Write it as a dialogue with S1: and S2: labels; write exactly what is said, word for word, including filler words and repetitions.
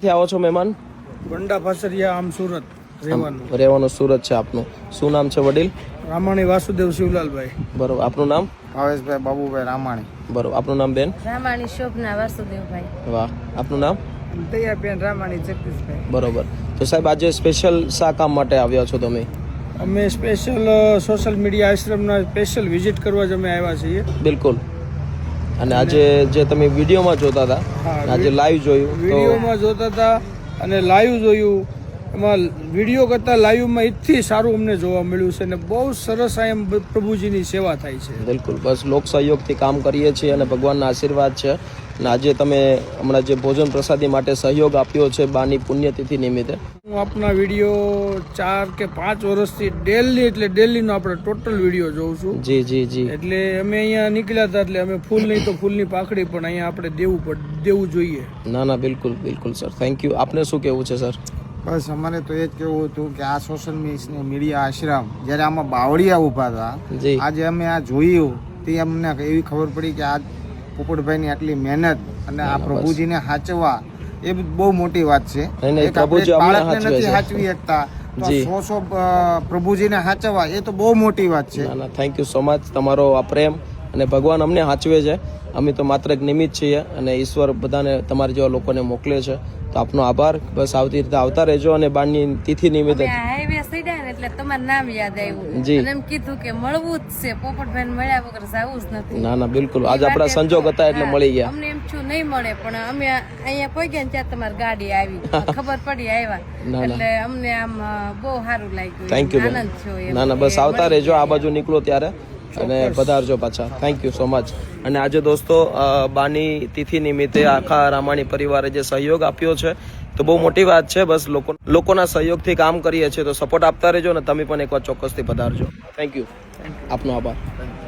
S1: આવો છો મહેમાન?
S2: ગંડા ફાસરિયા, આમ સુરત રહેવાનું.
S1: રહેવાનું સુરત છે આપનું. શું નામ છે વડીલ?
S2: રામાણી વાસુદેવ શિવલાલભાઈ.
S1: બરોબર. આપનું નામ?
S3: ભાવેશભાઈ બાબુભાઈ રામાણી.
S1: બરોબર. આપનું નામ બેન?
S4: રામાણી શોભના વાસુદેવભાઈ.
S1: વાહ. આપનું નામ?
S2: દયાબેન રામાણી જગદીશભાઈ.
S1: બરોબર. તો સાહેબ આજે સ્પેશિયલ શા કામ માટે આવ્યા છો તમે?
S2: અમે સ્પેશિયલ સોશિયલ મીડિયા આશ્રમના સ્પેશિયલ વિઝિટ કરવા જ અમે આવ્યા છીએ.
S1: બિલકુલ. અને આજે જે તમે વિડીયોમાં જોતા હતા, આજે લાઈવ જોયું તો
S2: વિડીયોમાં જોતા હતા અને લાઈવ જોયું. એમાં વિડીયો કરતાં લાઈવમાં એટલી સારું અમને જોવા મળ્યું છે અને બહુ સરસ આ એમ પ્રભુજીની સેવા થાય છે.
S1: બિલકુલ. બસ લોક સહયોગથી કામ કરીએ છીએ અને ભગવાનના આશીર્વાદ છે. અને આજે તમે હમણાં જે ભોજન પ્રસાદી માટે સહયોગ આપ્યો છે બાની પુણ્યતિથિ નિમિત્તે.
S2: હું આપના વિડીયો ચાર કે પાંચ વર્ષથી ડેલી એટલે ડેલીનો આપણે ટોટલ વિડીયો જોઉં છું.
S1: જી જી જી.
S2: એટલે અમે અહીંયા નીકળ્યા હતા એટલે અમે ફૂલ નહીં તો ફૂલની પાખડી પણ અહીંયા આપણે દેવું પડ દેવું જોઈએ.
S1: ના ના બિલકુલ બિલકુલ સર. Thank you. આપને શું કહેવું છે સર?
S3: બસ અમારે તો એ જ કહેવું હતું કે આ સોશિયલ મીડિયા આશ્રમ જ્યારે આમાં બાવળિયા ઊભા હતા,
S1: જી.
S3: આજે અમે આ જોયું તે અમને એવી ખબર પડી કે આ પોપટભાઈની આટલી મહેનત અને આ પ્રભુજીને સાચવવા એ બહુ મોટી વાત છે. એક આપણે બાળકને નથી સાચવી શકતા, સો સો પ્રભુજીને સાચવવા એ તો બહુ મોટી વાત છે.
S1: ના ના થેન્ક યુ સો મચ. તમારો આ પ્રેમ અને ભગવાન અમને સાચવે છે. અમે તો માત્ર એક નિમિત્ત છીએ અને ઈશ્વર બધાને તમારા જેવા લોકોને મોકલે છે. તો આપનો આભાર. બસ આવતી રીતે આવતા રહેજો અને બારની તિથિ નિમિત્તે
S4: હાઈવે સીડ્યા ને એટલે તમારું નામ યાદ આવ્યું.
S1: જી.
S4: અને એમ કીધું કે મળવું જ છે, પોપટભાઈ મળ્યા વગર જવું જ નથી.
S1: ના ના બિલકુલ. આજે આપણા સંજોગ હતા એટલે મળી ગયા.
S4: અમને એમ છું નહીં મળે પણ અમે અહીંયા પહોંચ્યા ત્યાં તમારી ગાડી આવી, ખબર પડી આવ્યા એટલે અમને આમ બહુ સારું લાગ્યું.
S1: Thank you.
S4: આનંદ થયો.
S1: ના ના બસ આવતા રહેજો આ બાજુ નીકળો ત્યારે અને પધારજો પાછા. Thank you so much. અને આજે દોસ્તો બાની તિથિ નિમિત્તે આખા રામાણી પરિવારે જે સહયોગ આપ્યો છે તો બહુ મોટી વાત છે. બસ લોકો લોકોના સહયોગથી કામ કરીએ છીએ તો સપોર્ટ આપતા રહેજો અને તમે પણ એકવાર ચોક્કસથી પધારજો. Thank you. આપનો આભાર.